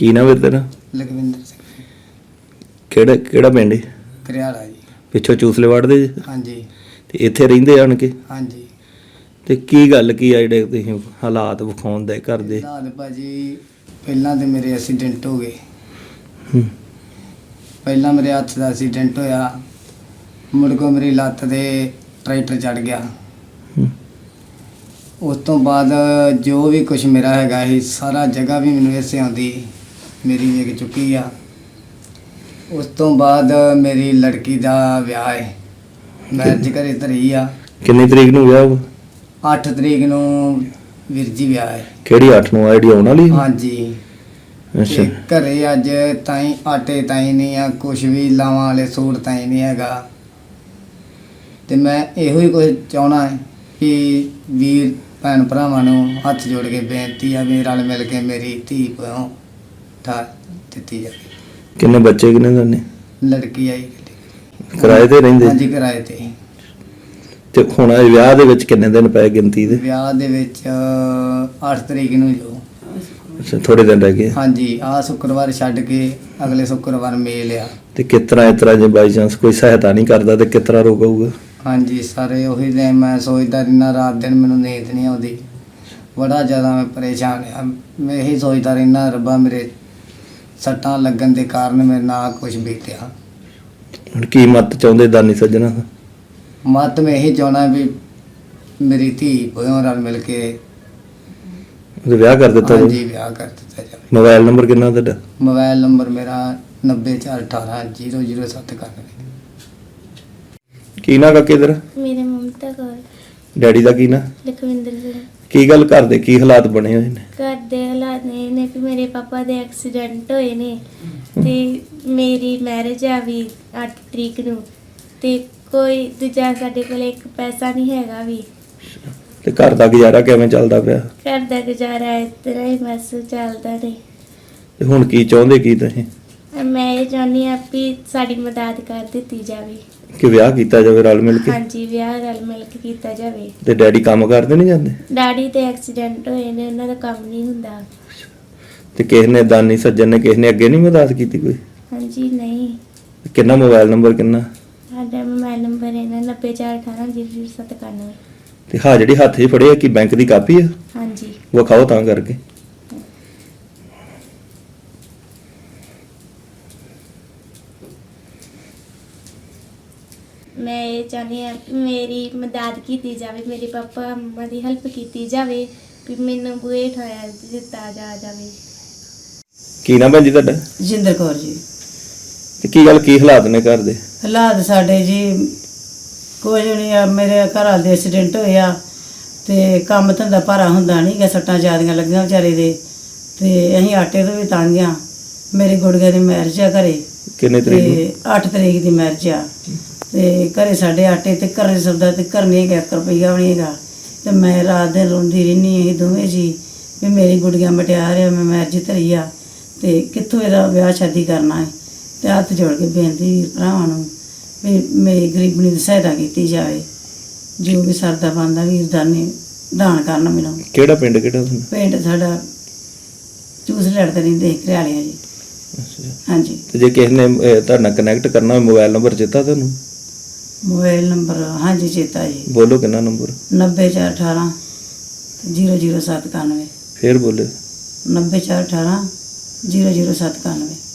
ਕੀ ਨਾਮ ਹੈ ਤੇਰਾ? ਲਖਵਿੰਦਰ ਸਿੰਘ ਕਿਹੜਾ ਪਿੰਡ ਹੈ? ਕਰਿਆਲਾ ਜੀ। ਪਿੱਛੋਂ ਚੂਸਲੇ ਵੜਦੇ ਜੀ ਹਾਂਜੀ ਤੇ ਇੱਥੇ ਰਹਿੰਦੇ ਆਣ ਕੇ? ਹਾਂਜੀ। ਤੇ ਕੀ ਗੱਲ ਕੀ ਆ ਜਿਹੜੇ ਤੁਸੀਂ ਹਾਲਾਤ ਵਿਖਾਉਂਦੇ ਘਰ ਦੇ? ਹਾਲਾਤ ਭਾਜੀ ਪਹਿਲਾਂ ਤੇ ਮੇਰੇ ਐਕਸੀਡੈਂਟ ਹੋ ਗਏ। ਹੂੰ। ਪਹਿਲਾਂ ਮੇਰੇ ਹੱਥ ਦਾ ਐਕਸੀਡੈਂਟ ਹੋਇਆ, ਮੁੜ ਕੇ ਮੇਰੀ ਲੱਤ ਤੇ ਟਰੈਕਟਰ ਚੜ ਗਿਆ। ਹੂੰ। ਉਸ ਤੋਂ ਬਾਅਦ ਜੋ ਵੀ ਕੁਝ ਮੇਰਾ ਹੈਗਾ ਸੀ ਸਾਰਾ ਜਗ੍ਹਾ ਵੀ ਮੈਨੂੰ ਇਸੇ ਆਉਂਦੀ ਮੇਰੀ ਵਿਕ ਚੁੱਕੀ ਆ। ਉਸ ਤੋਂ ਬਾਅਦ ਮੇਰੀ ਲੜਕੀ ਦਾ ਵਿਆਹ ਹੈ, ਮੈਰਿਜ ਘਰੇ ਧਰੀ ਆ। ਕਿੰਨੀ ਤਰੀਕ ਨੂੰ ਵਿਆਹ ਹੋਊ? 8 ਤਰੀਕ ਨੂੰ ਵੀਰ ਜੀ ਵਿਆਹ ਹੈ। ਕਿਹੜੀ 8 ਨੂੰ ਆ ਜਿਹੜੀ ਆਉਣ ਵਾਲੀ? ਹਾਂਜੀ। ਅੱਛਾ। ਤੇ ਘਰੇ ਅੱਜ ਤਾਈਂ ਆਟੇ ਤਾਈਂ ਨਹੀਂ ਆ, ਕੁਛ ਵੀ ਲਾਵਾਂ ਵਾਲੇ ਸੂਟ ਤਾਈਂ ਨਹੀਂ ਹੈਗਾ। ਤੇ ਮੈਂ ਇਹੋ ਹੀ ਕੁਝ ਚਾਹਣਾ ਹੈ ਕਿ ਵੀਰ ਭੈਣ ਭਰਾਵਾਂ ਨੂੰ ਹੱਥ ਜੋੜ ਕੇ ਬੇਨਤੀ ਆ ਵੀ ਰਲ ਮਿਲ ਕੇ ਮੇਰੀ ਧੀ ਪਿਓ ਠਾ ਦਿੱਤੀ ਜਾਵੇ। ਕਿੰਨੇ ਬੱਚੇ ਕਿੰਨੇ ਤੁਹਾਡੇ? ਲੜਕੀ ਆਈ ਕਿਰਾਏ ਤੇ ਰਹਿੰਦੇ? ਹਾਂਜੀ ਕਿਰਾਏ ਤੇ। ਤੇ ਹੁਣ ਇਹ ਵਿਆਹ ਦੇ ਵਿੱਚ ਕਿੰਨੇ ਦਿਨ ਪਏ ਗਿਣਤੀ ਦੇ? ਵਿਆਹ ਦੇ ਵਿੱਚ 8 ਤਰੀਕ ਨੂੰ ਜੋ। ਅੱਛਾ, ਥੋੜੇ ਦਿਨ ਰਹਿ ਗਏ। ਹਾਂਜੀ, ਆਹ ਸ਼ੁੱਕਰਵਾਰ ਛੱਡ ਕੇ ਅਗਲੇ ਸ਼ੁੱਕਰਵਾਰ ਮੇਲ ਆ। ਤੇ ਕਿਸ ਤਰ੍ਹਾਂ ਜੇ ਬਾਈ ਚਾਂਸ ਕੋਈ ਸਹਾਇਤਾ ਨਹੀਂ ਕਰਦਾ ਤੇ ਕਿਸ ਤਰ੍ਹਾਂ ਰੋਕੂਗਾ? ਹਾਂਜੀ ਸਾਰੇ ਉਹੀ ਨੇ, ਮੈਂ ਸੋਚਦਾ ਰਹਿਣਾ ਰਾਤ ਦਿਨ, ਮੈਨੂੰ ਨੀਂਦ ਨਹੀਂ ਆਉਂਦੀ, ਬੜਾ ਜ਼ਿਆਦਾ ਮੈਂ ਪਰੇਸ਼ਾਨ ਆ। ਮੈਂ ਇਹੀ ਸੋਚਦਾ ਰਹਿਣਾ ਰੱਬਾ ਮੇਰੇ ਸੱਟਾਂ ਲੱਗਣ ਦੇ ਕਾਰਨ ਮੇਰੇ ਨਾਲ ਕੁਝ ਬੀਤਿਆ। ਹੁਣ ਕੀ ਮਤ ਚਾਹੁੰਦੇ ਦਾਨੀ ਸੱਜਣਾ? ਮਤ ਮੈਂ ਇਹੀ ਚਾਹੁੰਦਾ ਵੀ ਮੇਰੀ ਧੀ ਪਿਓ ਨਾਲ ਮਿਲ ਕੇ ਉਹਦਾ ਵਿਆਹ ਕਰ ਦਿੱਤਾ ਜਾਵੇ। ਹਾਂਜੀ ਵਿਆਹ ਕਰ ਦਿੱਤਾ ਜਾਵੇ। ਮੋਬਾਈਲ ਨੰਬਰ ਕਿੰਨਾ ਤੁਹਾਡਾ? ਮੋਬਾਈਲ ਨੰਬਰ ਮੇਰਾ 9418000791। ਕੀ ਨਾਂ ਕਾਕੇ ਤੇਰਾ? ਮੇਰੇ ਮਮਤਾ ਕੌਰ। ਡੈਡੀ ਦਾ ਕੀ ਨਾਂ? ਲਖਵਿੰਦਰ ਸਿੰਘ। ਕੀ ਗੱਲ ਘਰ ਦੇ ਕੀ ਹਾਲਾਤ ਬਣੇ ਹੋਏ ਨੇ? ਘਰ ਦੇ ਹਾਲਾਤ ਇਹ ਨੇ ਕਿ ਮੇਰੇ ਪਾਪਾ ਦੇ ਐਕਸੀਡੈਂਟ ਹੋਏ ਨੇ ਤੇ ਮੇਰੀ ਮੈਰਿਜ ਆ ਵੀ 8 ਤਰੀਕ ਨੂੰ, ਤੇ ਕੋਈ ਦੂਜਾ ਸਾਡੇ ਕੋਲ ਇੱਕ ਪੈਸਾ ਨਹੀਂ ਹੈਗਾ ਵੀ। ਤੇ ਘਰ ਦਾ ਗੁਜ਼ਾਰਾ ਕਿਵੇਂ ਚੱਲਦਾ ਪਿਆ? ਘਰ ਦਾ ਗੁਜ਼ਾਰਾ ਇਸ ਤਰ੍ਹਾਂ ਹੀ ਬਸ ਚੱਲਦਾ ਨੇ। ਤੇ ਹੁਣ ਕੀ ਚਾਹੁੰਦੇ ਕੀ ਤੁਸੀਂ? ਮੈਂ ਇਹ ਚਾਹੁੰਦੀ ਹਾਂ ਵੀ ਸਾਡੀ ਮਦਦ ਕਰ ਦਿੱਤੀ ਜਾਵੇ। ਕਿ ਵਿਆਹ ਕੀਤਾ ਜਾਵੇ ਰਲ ਮਿਲ ਕੇ? ਹਾਂਜੀ, ਵਿਆਹ ਰਲ ਮਿਲ ਕੇ ਕੀਤਾ ਜਾਵੇ। ਤੇ ਡੈਡੀ ਕੰਮ ਕਰਦੇ ਨਹੀਂ ਜਾਂਦੇ? ਡੈਡੀ ਤੇ ਐਕਸੀਡੈਂਟ ਹੋਏ ਨੇ, ਉਹਨਾਂ ਦਾ ਕੰਮ ਨਹੀਂ ਹੁੰਦਾ। ਤੇ ਕਿਸੇ ਨੇ ਦਾਨੀ ਸੱਜਣ ਨੇ ਕਿਸੇ ਨੇ ਅੱਗੇ ਨਹੀਂ ਮਦਦ ਕੀਤੀ ਕੋਈ? ਹਾਂਜੀ ਨਹੀਂ। ਕਿੰਨਾ ਮੋਬਾਈਲ ਨੰਬਰ ਕਿੰਨਾ? ਸਾਡਾ ਮੋਬਾਈਲ ਨੰਬਰ ਹੈ 9418000791। ਤੇ ਹਾਂ ਜਿਹੜੀ ਹੱਥ 'ਚ ਫੜੀ ਆ ਕੀ ਬੈਂਕ ਦੀ ਕਾਪੀ ਆ? ਹਾਂਜੀ। ਵਿਖਾਓ ਤਾਂ ਕਰਕੇ। ਮੈਂ ਇਹ ਚਾਹੁੰਦੀ ਹਾਂ ਕਿ ਮੇਰੀ ਮਦਦ ਕੀਤੀ ਜਾਵੇ, ਮੇਰੇ ਪਾਪਾ ਮੰਮਾ ਦੀ ਹੈਲਪ ਕੀਤੀ ਜਾਵੇ, ਵੀ ਮੈਨੂੰ ਬੂਹੇ ਠਾਇਆ ਦਿੱਤਾ ਜਾਵੇ। ਕੀ ਨਾਮ ਭੈਣ ਜੀ ਤੁਹਾਡਾ? ਜਿੰਦਰ ਕੌਰ ਜੀ। ਤੇ ਕੀ ਗੱਲ ਕੀ ਹਾਲਾਤ ਨੇ ਘਰ ਦੇ? ਹਾਲਾਤ ਸਾਡੇ ਜੀ ਕੁਝ ਨਹੀਂ ਆ। ਮੇਰੇ ਘਰ ਵਾਲੇ ਦੇ ਐਕਸੀਡੈਂਟ ਹੋਇਆ ਤੇ ਕੰਮ ਧੰਦਾ ਭਾਰਾ ਹੁੰਦਾ ਨਹੀਂ ਗਾ, ਸੱਟਾਂ ਜ਼ਿਆਦੀਆਂ ਲੱਗੀਆਂ ਵਿਚਾਰੇ ਦੇ, ਤੇ ਅਸੀਂ ਆਟੇ ਤੋਂ ਵੀ ਤੰਗ ਆ। ਮੇਰੇ ਗੁੜਗੇ ਦੀ ਮੈਰਿਜ ਆ ਘਰੇ। ਕਿੰਨੇ ਤਰੀਕ ਨੂੰ? 8 ਤਰੀਕ ਦੀ ਮੈਰਿਜ ਆ। ਤੇ ਘਰੇ ਸਾਡੇ ਆਟੇ ਤੇ ਘਰੇ ਸੌਦਾ ਤੇ ਕਰਨੇ 1 ਰੁਪਈਆ ਵੀ ਨਹੀਂ ਹੈਗਾ। ਤੇ ਮੈਂ ਰਾਤ ਦਿਨ ਰੋਂਦੀ ਰਹਿੰਦੀ ਇਹ ਦੋਵੇਂ ਜੀ ਵੀ ਮੇਰੀ ਗੁੜੀਆਂ ਮਟਿਆਰ ਆ, ਮੈਂ ਮੈਰਿਜ ਧਰੀ ਆ ਤੇ ਕਿੱਥੋਂ ਇਹਦਾ ਵਿਆਹ ਸ਼ਾਦੀ ਕਰਨਾ ਹੈ। ਤੇ ਹੱਥ ਜੋੜ ਕੇ ਬੇਨਤੀ ਵੀਰ ਭਰਾਵਾਂ ਨੂੰ ਵੀ ਮੇਰੀ ਗਰੀਬਣੀ ਦੀ ਸਹਾਇਤਾ ਕੀਤੀ ਜਾਵੇ। ਜੋ ਵੀ ਸਰਦਾ ਬਣਦਾ ਵੀਰ ਦਾਨ ਕਰਨ ਮੈਨੂੰ। ਕਿਹੜਾ ਪਿੰਡ ਕਿਹੜਾ ਤੁਹਾਨੂੰ? ਪਿੰਡ ਸਾਡਾ ਚੂਸ ਲੜਦੇ ਰਹਿੰਦੇ ਘਰਿਆਲਿਆਂ ਜੀ। ਅੱਛਾ। ਹਾਂਜੀ। ਤੇ ਜੇ ਕਿਸੇ ਨੇ ਤੁਹਾਡੇ ਨਾਲ ਕਨੈਕਟ ਕਰਨਾ ਹੋਵੇ ਮੋਬਾਈਲ ਨੰਬਰ ਚੇਤਾ ਤੁਹਾਨੂੰ? ਮੋਬਾਈਲ ਨੰਬਰ ਹਾਂਜੀ ਚੇਤਾ ਜੀ। ਬੋਲੋ ਕਿੰਨਾ ਨੰਬਰ? 9418000791। ਫੇਰ ਬੋਲੇ। 9418000791।